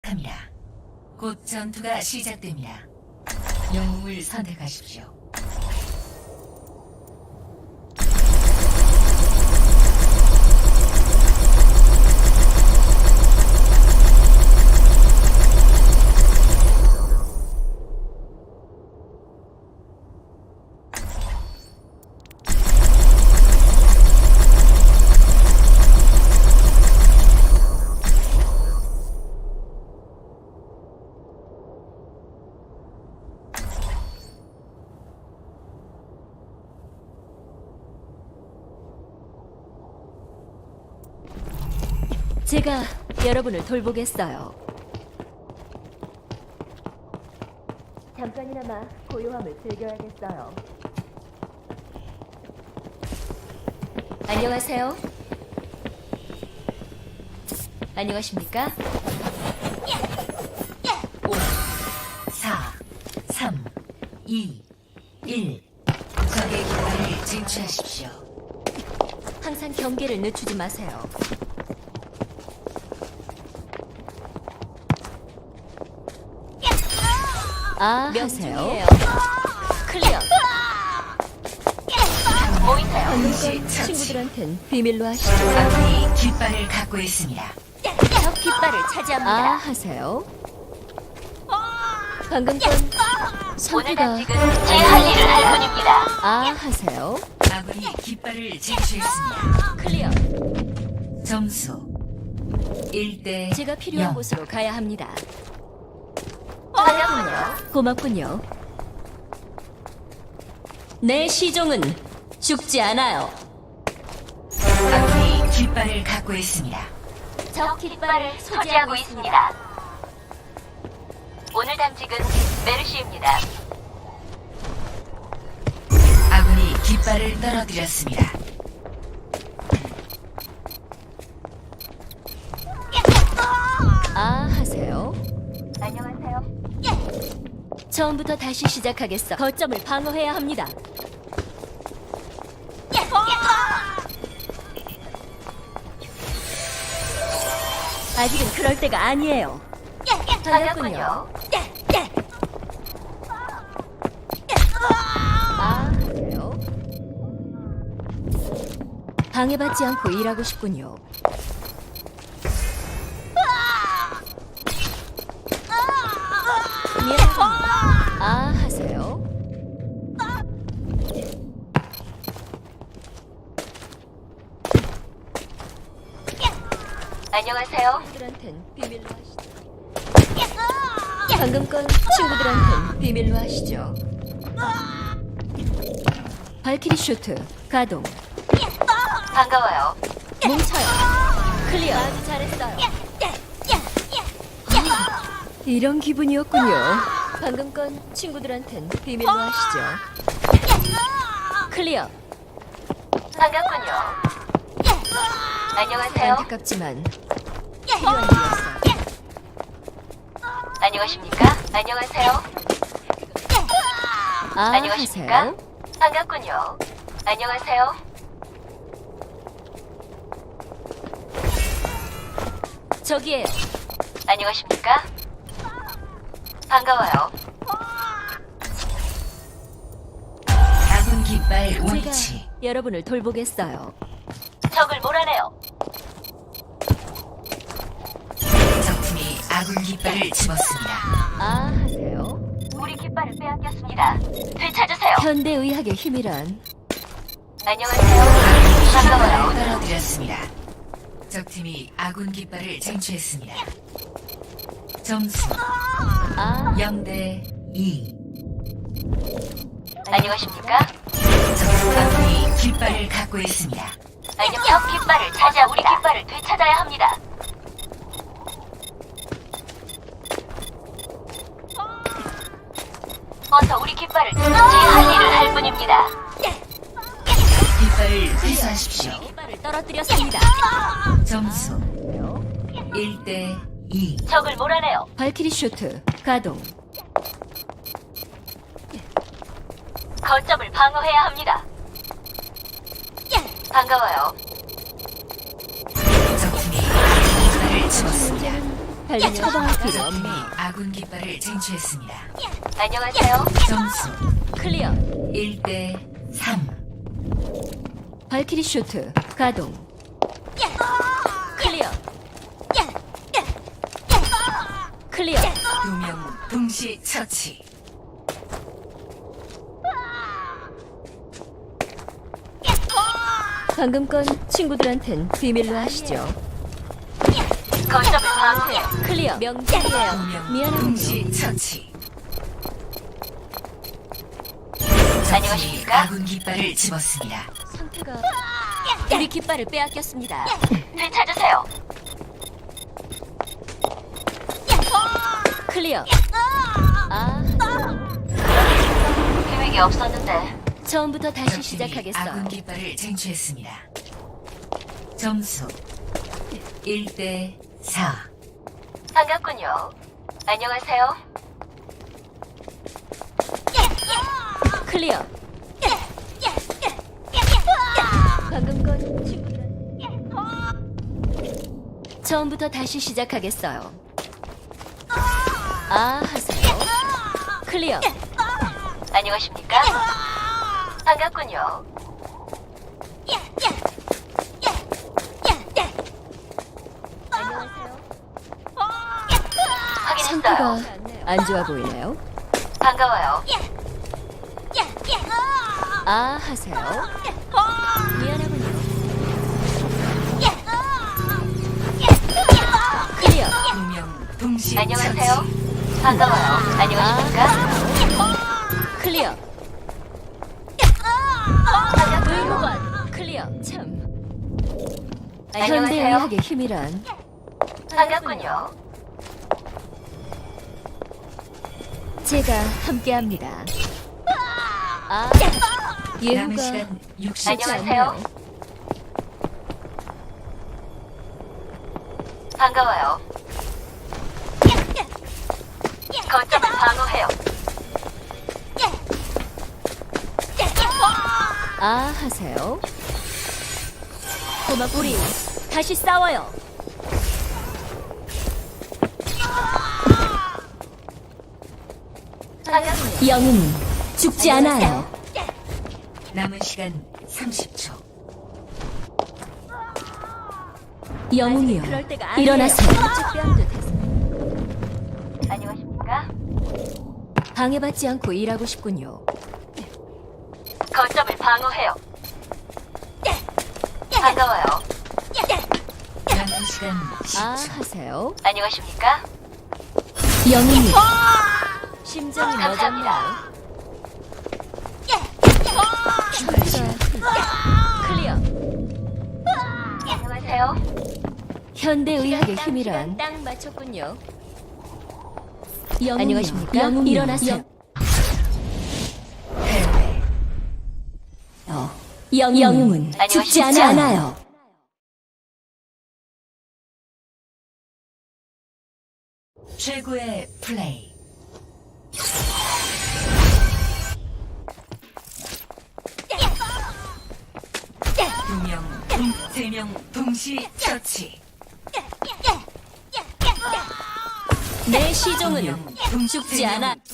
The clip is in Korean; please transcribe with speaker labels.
Speaker 1: 시작합니다. 곧 전투가 시작됩니다. 영웅을 선택하십시오.
Speaker 2: 제가 여러분을 돌보겠어요. 잠깐이나마 고요함을 즐겨야겠어요. 안녕하세요. 안녕하십니까?
Speaker 1: 5, 4, 3, 2, 1. 적의 깃발을 쟁취하십시오.
Speaker 2: 항상 경계를 늦추지 마세요. 아, 하세요. 클리어.
Speaker 1: 동시 처치.
Speaker 2: 친구들한텐 비밀로 하시죠.
Speaker 1: 아군이 깃발을 갖고 있습니다.
Speaker 2: 적 깃발을 차지합니다. 아, 하세요. 방금 건 선수가
Speaker 3: 제 할 일을 할 뿐입니다.
Speaker 2: 아, 하세요.
Speaker 1: 아군이 깃발을 쟁취했습니다.
Speaker 2: 클리어.
Speaker 1: 점수 1대
Speaker 2: 제가 필요한
Speaker 1: 0.
Speaker 2: 곳으로 가야 합니다. 고맙군요. 내 시종은 죽지 않아요.
Speaker 1: 아군이 깃발을 갖고 있습니다.
Speaker 2: 적 깃발을
Speaker 3: 소지하고 있습니다. 오늘 당직은 메르시입니다.
Speaker 1: 아군이 깃발을 떨어뜨렸습니다.
Speaker 2: 아, 하세요.
Speaker 3: 안녕하세요.
Speaker 2: 처음부터 다시 시작하겠어. 거점을 방어해야 합니다. 아직은 그럴 때가 아니에요. 반갑군요. 아, 하세요. 방해받지 않고 일하고 싶군요. 미안합니다. 아, 하세요.
Speaker 3: 안녕하세요.
Speaker 2: 친구들한텐 비밀로 하시죠. 방금 건 친구들한텐 비밀로 하시죠. 발키리 쇼트 가동.
Speaker 3: 반가워요.
Speaker 2: 뭉쳐요. 클리어. 아주 잘했어요. 이런 기분이었군요. 방금 건 친구들한텐 비밀로 하시죠. 클리어.
Speaker 3: 반갑군요. 안녕하세요.
Speaker 2: 안타깝지만 필요한 일이었어요.
Speaker 3: 안녕하십니까? 안녕하세요.
Speaker 2: 아,
Speaker 3: 안녕하십니까?
Speaker 2: 하세요.
Speaker 3: 반갑군요. 안녕하세요.
Speaker 2: 저기에요.
Speaker 3: 안녕하십니까? 반가워요.
Speaker 1: 아군 깃발
Speaker 2: 제가
Speaker 1: 위치.
Speaker 2: 여러분을 돌보겠어요.
Speaker 3: 적을 몰아내요.
Speaker 1: 적팀이 아군 깃발을 집었습니다.
Speaker 2: 아, 하세요.
Speaker 3: 우리 깃발을 빼앗겼습니다. 되찾으세요.
Speaker 2: 현대의학의 힘이란
Speaker 3: 안녕하세요. 반가워요.
Speaker 1: 깃발을 떨어뜨렸습니다. 적팀이 아군 깃발을 쟁취했습니다. 점수
Speaker 2: 아,
Speaker 1: 0대 2.
Speaker 3: 안녕하십니까?
Speaker 1: 아군이 깃발을 갖고 있습니다.
Speaker 3: 적 깃발을 찾아 우리 깃발을 되찾아야 합니다. 어서 우리 깃발을 제 할 일을 할 뿐입니다.
Speaker 1: 깃발을 회수하십시오.
Speaker 2: 깃발을 떨어뜨렸습니다.
Speaker 1: 점수 1대 2.
Speaker 3: 적을 몰아내요.
Speaker 2: 발키리 쇼트 가동.
Speaker 3: 거점을 방어해야 합니다. 반가워요.
Speaker 1: 적팀이 깃발을 집었습니다.
Speaker 2: 달리 처방할 필요
Speaker 1: 적팀이
Speaker 2: 없네.
Speaker 1: 아군 깃발을 쟁취했습니다.
Speaker 3: 안녕하세요.
Speaker 1: 점수
Speaker 2: 클리어.
Speaker 1: 1대 3.
Speaker 2: 발키리 슈트 가동. 클리어. 클리어.
Speaker 1: 2명 동시 처치.
Speaker 2: 방금 건 친구들한텐 비밀로 하시죠.
Speaker 3: 거점을 방어해요.
Speaker 2: 클리어. 명중이에요.
Speaker 1: 2명
Speaker 2: 미안하군요.
Speaker 1: 동시 처치. 적팀이
Speaker 3: 안녕하십니까?
Speaker 1: 아군 깃발을 집었습니다.
Speaker 2: 상태가 우리 깃발을 빼앗겼습니다.
Speaker 3: 되찾으세요.
Speaker 2: 클리어. 아,
Speaker 3: 계획이 없었는데.
Speaker 2: 처음부터 다시
Speaker 1: 적팀이
Speaker 2: 시작하겠어요.
Speaker 1: 아군 깃발을 쟁취했습니다. 점수 1대 4.
Speaker 3: 반갑군요. 안녕하세요.
Speaker 2: 클리어. 방금 건 친구들. 처음부터 다시 시작하겠어요. 아, 하세요. 클리어.
Speaker 3: 안녕하십니까? 반갑군요.
Speaker 2: 안녕하세요.
Speaker 3: 확인했어요.
Speaker 2: 상태가 안 좋아 보이나요?
Speaker 3: 반가워요.
Speaker 2: 아, 하세요. 미안하군요. 클리어.
Speaker 1: 2명 동시
Speaker 3: 안녕하세요.
Speaker 1: 처치.
Speaker 3: 반가워요. 안녕하십니까?
Speaker 2: 클리어. 의무관. 클리어. 참.
Speaker 3: 안녕하세요.
Speaker 2: 현대의학의 힘이란
Speaker 3: 반갑군요.
Speaker 2: 제가 함께합니다. 아,
Speaker 1: 남은
Speaker 2: 예후가
Speaker 1: 시간 60초.
Speaker 2: 쉽지
Speaker 3: 안녕하세요.
Speaker 2: 않네요.
Speaker 3: 반가워요. 거점을 방어해요.
Speaker 2: 아, 하세요. 고마 우리 다시 싸워요.
Speaker 3: 반갑군요.
Speaker 2: 영웅은 죽지 않아요.
Speaker 1: 남은 시간 30초.
Speaker 2: 영웅이요.
Speaker 3: 그럴 때가 아니에요.
Speaker 2: 일어나세요.
Speaker 3: 안녕하십니까?
Speaker 2: 방해받지 않고 일하고 싶군요.
Speaker 3: 거점을 방어해요. 반가워요.
Speaker 1: 남은 시간
Speaker 2: 아,
Speaker 1: 10초.
Speaker 2: 하세요.
Speaker 3: 안녕하십니까?
Speaker 2: 영웅이요. 심장이
Speaker 3: 감사합니다.
Speaker 2: 멈졌나? 클리어.
Speaker 3: 안녕하세요.
Speaker 2: 현대의학의 힘이란 딱 맞췄군요. 영웅이요.
Speaker 4: 안녕하십니까?
Speaker 2: 영웅이요. 일어나세요.
Speaker 1: 패배.
Speaker 2: 영웅은 죽지
Speaker 3: 안녕하십니까?
Speaker 2: 않아요.
Speaker 1: 최고의 플레이. 세 명 동시 처치.
Speaker 2: 내 시종은
Speaker 1: 세
Speaker 2: 죽지
Speaker 1: 명
Speaker 2: 않아.